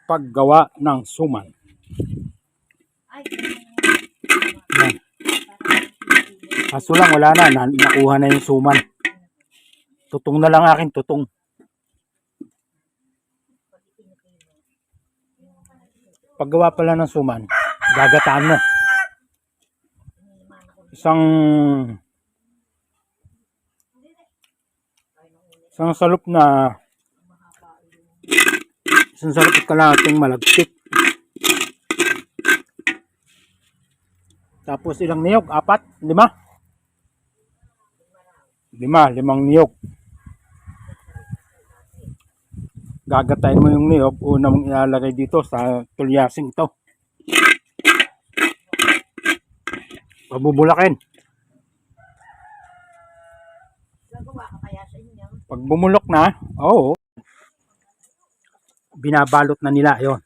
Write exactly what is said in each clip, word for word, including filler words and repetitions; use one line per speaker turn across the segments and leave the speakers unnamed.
paggawa ng suman. Yan. Kaso lang wala na, na nakuha na yung suman. Tutong na lang akin, tutong. Paggawa pala ng suman, gagataan mo. Isang isang salop na isang salop kalahating malagkit. Tapos ilang niyog? Apat? Lima? Lima, limang niyog. Gagatayin mo yung niyog, una mong ilalagay dito sa tulyasing to. Pabubulakin. Pag bumulok na, oo, binabalot na nila yon.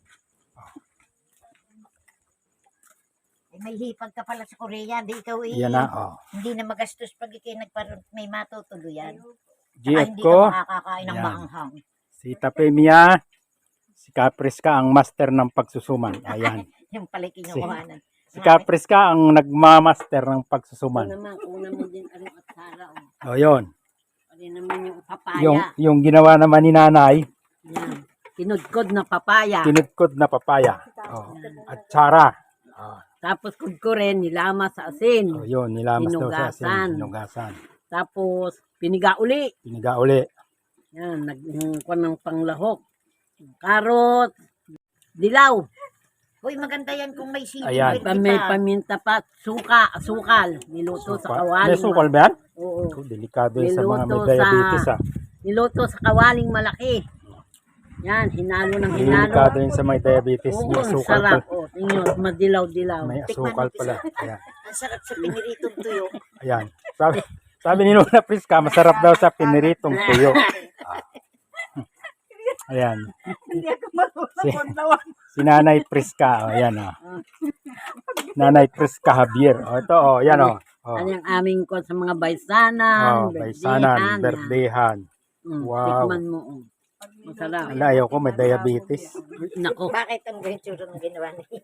May hipag ka pala sa Korea, di ikaw eh.
Yan na, oh.
Hindi na magastos pag ikinagparot, may matutuluyan.
G F
Hindi
ko,
ka makakakain ng
yan.
maanghang.
Si Tapemia, si Capriska ang master ng pagsusuman. Ayan.
Yung pala kinukuhanan.
Si Capriska ang nagmamaster ng pagsusuman.
Ito naman, una mo din ang atsara.
O, oh, yun.
Ano naman yung papaya.
Yung, yung ginawa naman ni nanay,
Yan. Kinudkod na papaya.
kinudkod na papaya. Oh, at tsara. Oh,
Tapos kudkurin, nilama sa asin.
oh, yun, nilamas daw sa asin.
Hinugasan.
Hinugasan.
Tapos, piniga uli.
Piniga uli.
Yan, nagkuhan ng panglahok. Karot, dilaw.
Uy, maganda yan kung may sili.
Ayan.
Pa, may paminta pa, suka, sukal. Niluto sa kawaling.
May sukal ba yan?
Oo.
Oh, delikado yun sa mga may
Niluto
diabetes.
sa-
Ah.
Niluto sa kawaling malaki. Yan, hinalo ng hinalo.
Delikado yun sa may diabetes.
Oo,
May
ang
asukal
sarap.
pala.
Oh, tingnan, madilaw-dilaw.
May asukal pala. Ayan.
Ang sarap sa piniritong tuyo.
Ayan. Sabi, sabi ni Luna Priska, masarap daw sa piniritong tuyo. Ah. Ayan. Si, si Nanay Priska. Oh, ayan. Oh. Nanay Priska Javier. Oh, ito. Oh, ayan. Oh. Oh.
Ano yung aming ko sa mga baysanan,
Oh, baysanan, berdehan.
Mm,
Wow.
Tikman mo. Oh. Masarap.
Wala, ayaw ko, may diabetes.
Nako.
Bakit ang ganito ng ginawa niya?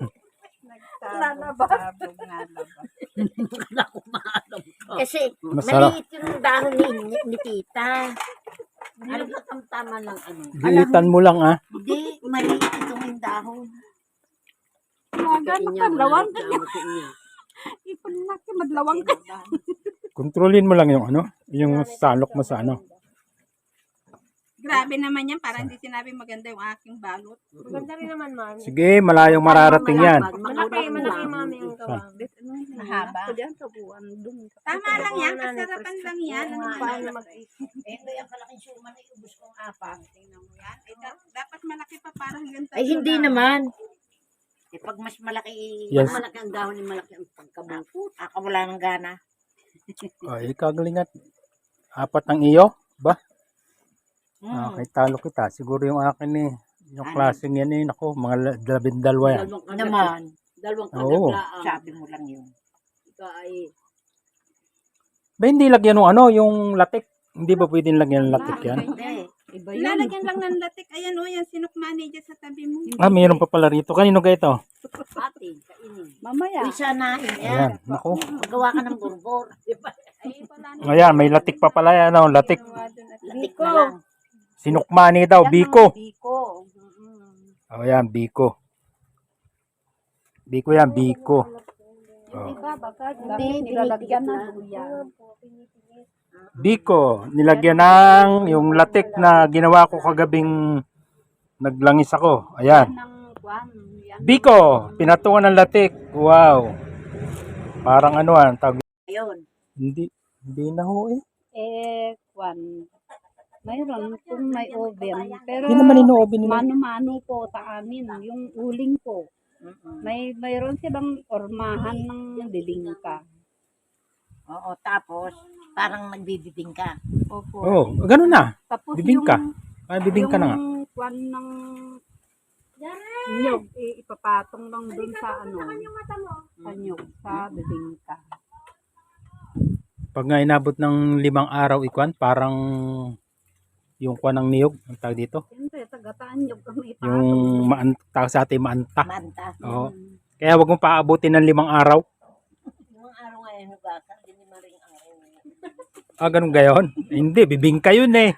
Wala ko maalam ko.
Kasi
Masarap.
maliit yung dahon ni, ni tita.
Ano ba tamtama ng ano?
Liitan mo lang, ah.
Hindi, maliit itong yung dahon.
Kain niya,
madlawang
malaki ang buto niya.
Ipon na ki madlawang ka.
Kontrolin mo lang yung ano, yung salok mo sa ano.
Grabe naman yan, parang hindi sinabi maganda yung aking balot. Maganda rin naman, mami.
Sige, malayong mararating yan.
Malaki, malaki, mami, ang
Saan?
gawang.
Mahaba.
Tama lang yan, kasarapan lang yan. Ano paano mag
Eh, ito yung kalaking suman na iubos kong apat.
Tingnan mo yan. Eh, da- dapat malaki pa parang ganito.
Ay, hindi naman. Eh, pag mas malaki,
Yes.
Malaki ang dahon ni malaki ang pagkabungkot.
ako wala ng gana.
Ay, kagalingat. Apat ang iyo? Ba?
Hmm.
Okay, talo kita. Siguro yung akin eh. Yung
Ano?
klaseng yan eh. Naku, mga la- labindalwa yan.
Dalawang kadagla.
Naman,
Dalawang
Oo.
kadaglaan.
sabi mo lang yun.
Ito ay
Ba, hindi lagyan ng ano, yung latik. Hindi ba pwedeng lagyan ng latik yan?
Hindi.
iba yun.
Lalagyan lang ng latik. Ayan o, yan sinukmani dyan sa tabi mo.
Ah, mayroon pa pala rito. Kanino ka ito?
Ate, kainin.
Mamaya.
Uy, sanain
Ayan,
yan.
naku.
Magawa ka ng burbor.
Ay, wala na.
Ayan, may latik pa pala yan. Oh, latik.
Latik na lang.
Sinukmani daw, biko.
Biko.
Oh, yan, biko. Biko yan, biko. Oh.
Hindi, nilalagyan na luya.
Biko, nilagyan ng yung latik na ginawa ko kagabing naglangis ako. Ayan.
Ng kwan. Yan.
Biko, pinatungan ng latik. Wow. Parang ano ah, tawag.
Ayun.
Hindi, hindi na ho eh.
Eh, kwan. Mayroon kung may oven. Pero
Hindi naman ino-oven nila.
mano-mano po sa amin. Yung uling po. May mayroon silang ormahan ng bibingka.
Oo, tapos, parang nagbibibing ka.
Opo.
Oh, ganun na.
Tapos
Bibingka.
yung,
Ay, bibingka na nga.
yung kwan ng nyog, eh, ipapatong lang dun sa ano, sa nyog, sa bibingka.
Pag nga inabot ng limang araw ikwan, parang yung kwan ng niyog, ang tawag dito.
Siyempre, taga Gataan yung kami pa.
Yung maanta sa atin maanta.
Manta.
Oo. Kaya wag mong paabutin ng limang araw.
Yung araw ngayon, hugasan, hindi ni maring araw.
Ah, ganun gayon? Eh, hindi, bibingka yun eh.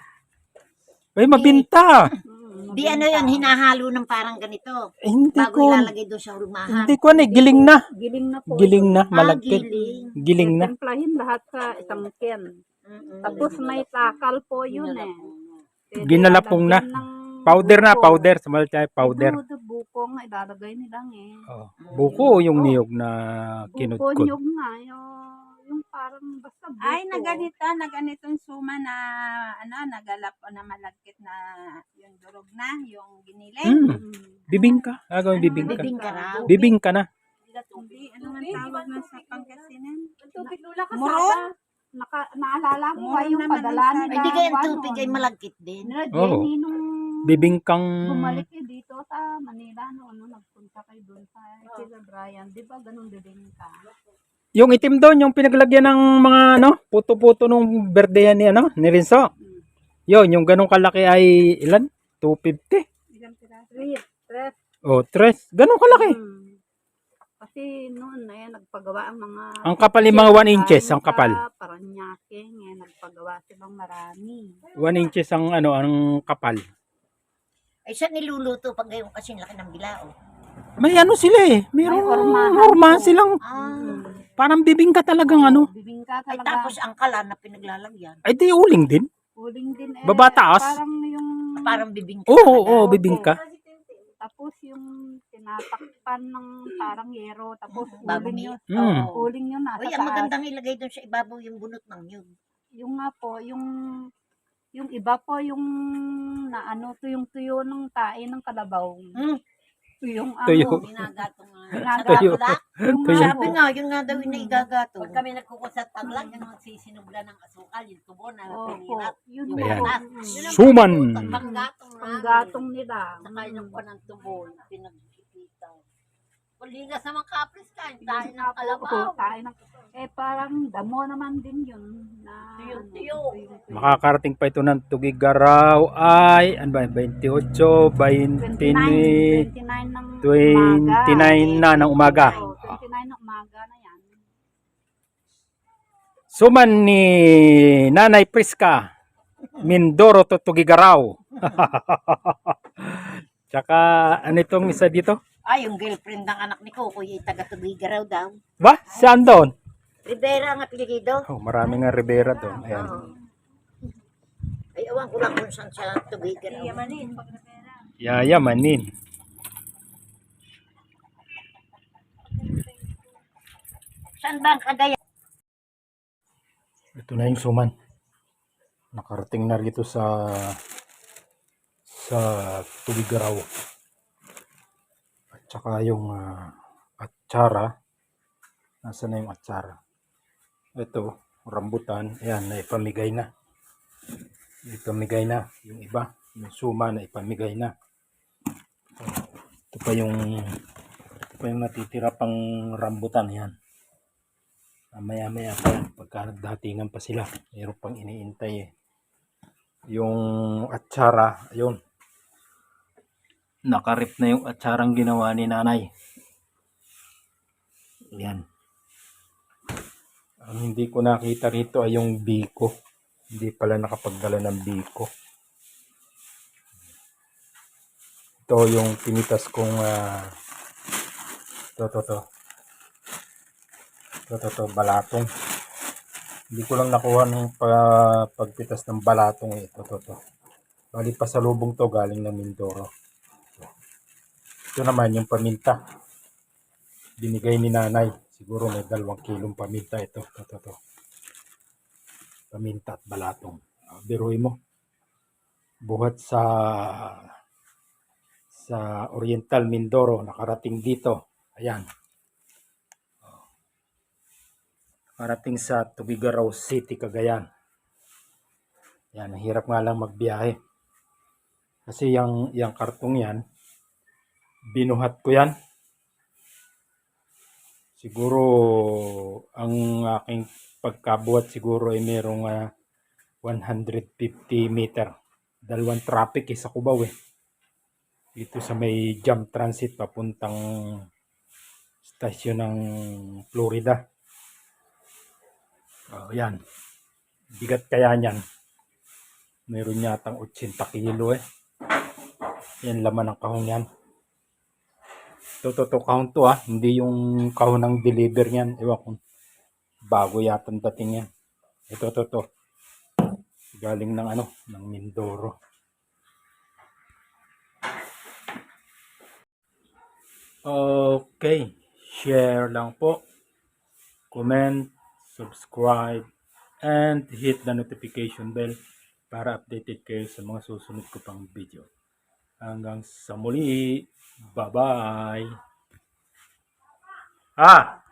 May mabinta.
Di ano yun, hinahalo ng parang ganito.
Eh, hindi
Bago
ko.
ilalagay doon sa hulmahan.
Hindi ko ano eh, giling na.
Giling na po.
Giling na,
Ah,
malagkit.
giling.
Giling na.
Templahin lahat sa isang can.
Mm-mm.
Tapos may takal po yun eh. Pwede
Ginalapong na.
lalagyan ng
Powder na,
buko.
powder. Samal tayo, powder.
Ito, ito, bukong ilalagay nilang eh.
Oh. Buko o yung niyog na
Buko
kinudkod.
nyog nga. Yung, yung parang basta buko.
Ay, naganito, naganitong suma na, ano, nagalap o na malagkit na yung durog na, yung giniling.
Hmm.
Mm.
Bibingka. Agawin bibingka.
Bibingka raw.
Bibingka na.
Hindi, ano man tawag na sa Pangasinan?
Muron? Naka, naalala mo ba
Muron
yung
naman
padala
ang
nila?
Ay, di kayang
Juan
tubig
noon?
ay malagkit din.
Nila
Oo.
Jenny nung
Bibingkang.
bumalik eh dito sa Manila noon, no, nagpunta kayo doon sa Sila Brian. Di ba ganun din ka?
Yung itim doon, yung pinaglagyan ng mga ano, puto-puto nung berdehan ni ano, ni Rinso. Yun, yung ganong kalaki ay ilan? two fifty.
Three, tres.
Oh, tres. Ganong kalaki.
Hmm. Kasi noon eh, nagpagawa ang mga...
Ang kapal yung mga one inches, ang kapal.
Sa Paranaque, eh, nagpagawa silang marami.
one inches ang ano, ang kapal.
Ay, siya niluluto pag gayon kasing laki ng bilao.
May ano sila eh. Mayroong
May ormahan
norma
po.
silang
Ah.
parang bibingka talagang ano.
Bibingka
Ay,
talaga.
tapos ang kala na pinaglalagyan.
Ay di uling din.
Uling din eh.
Babataas?
Parang yung...
Parang bibingka.
Oo, oo,
talaga.
oo, bibingka.
Tapos yung tinatakpan ng parang yero. Tapos
Bago
uling
ni-
yun.
Mm.
Oo.
Uling yun nasa
Uy, ang
taas.
magandang ilagay doon sa ibabaw yung bunot ng nyug.
Yung nga po, yung... Yung iba po, yung na ano, tuyong-tuyo ng tae ng kalabaw.
Hmm.
Tuyong ano.
Tuyo.
Minagatong nga.
Tuyo.
Minagatulak. Yung
Tuyo.
nga
Sabi
po.
nga, yun nga daw yung naigagato.
Pag kami nagkukusat taglag, yung magsisinubla ng asukal, yung tubo na
Opo,
pinirap.
yun
Yung
po.
Ayan.
gatas.
Mm.
Yun ang
Suman.
panggatong
Ang
namin.
gatong nila.
Saka yung pa ng tubo, pinagkikita. Puligas naman kapris ka, yung tayo ng kalabaw.
Oo, tayo ng... Eh, parang damo naman din yun. Na,
Tuyo-tuyo.
ano, tuyong-tuyo.
Makakarating pa ito ng Tugigaraw ay ano ba, twenty-eight,
twenty-nine,
twenty,
twenty-nine ng
twenty-nine na ng umaga.
Oo, twenty-nine ng umaga na yan.
Suman ni Nanay Priska, Mindoro to Tugigaraw. Tsaka ano itong isa dito?
Ay, yung girlfriend ng anak ni Coco, yung taga-Tubigaraw daw.
Ba? Saan doon?
Rivera ang apelido.
Oh, marami nga Rivera doon. Ayan.
Oo. Ay, awan ko lang kung saan siya Tubigaraw.
Yayamanin.
Saan ba ang kagaya?
Ito na yung suman. Nakarating na rito sa sa Tugigaraw. At saka yung ah, atsara. Nasaan na yung atsara? Ito, rambutan. Ayan, naipamigay na. Naipamigay na. Yung iba, yung suma na ipamigay na. Ito pa yung ito pa yung natitira pang rambutan. Ayan. Maya maya pa yan. Pagka nagdatingan pa sila. Mayroon pang iniintay eh. Yung atsara, ayun. Nakarip na yung atsarang ginawa ni nanay. Yan. Ang hindi ko nakita rito ay yung biko. Hindi pala nakapagdala ng biko. Ito yung pinitas kong uh, to to to. To to to balatong. Hindi ko lang nakuha ng pa, pagpitas ng balatong eh. Ito to to. Bali pa sa lubong to galing ng Mindoro. Ito naman yung paminta. Binigay ni nanay. Siguro may dalawang kilong paminta ito. Ito, ito, ito. Paminta at balatong. Uh, biruin mo. Buhat sa sa Oriental Mindoro. Nakarating dito. Ayan. Nakarating sa Tugigaraw City, Cagayan. Yan. Hirap nga lang magbiyahe. Kasi yung, yung kartong yan, binuhat ko yan. Siguro ang aking pagkabuhat siguro ay merong uh, one hundred fifty meter. Dalawang traffic eh, sa Cubao eh. Dito sa may Jam Transit papuntang stasyon ng Florida. Oh, yan. Bigat kaya niyan. Meron yatang eighty kilo eh. Yan laman ng kahon yan. Ito, ito, ito kahon to ah. Hindi yung kahon ng deliver yan. Ewan kung bago yata ang dating yan. Ito, ito, ito. Galing ng ano, ng Mindoro. Okay. Share lang po. Comment, subscribe, and hit the notification bell para updated kayo sa mga susunod ko pang video. Hanggang sa muli. Bye-bye. Ah!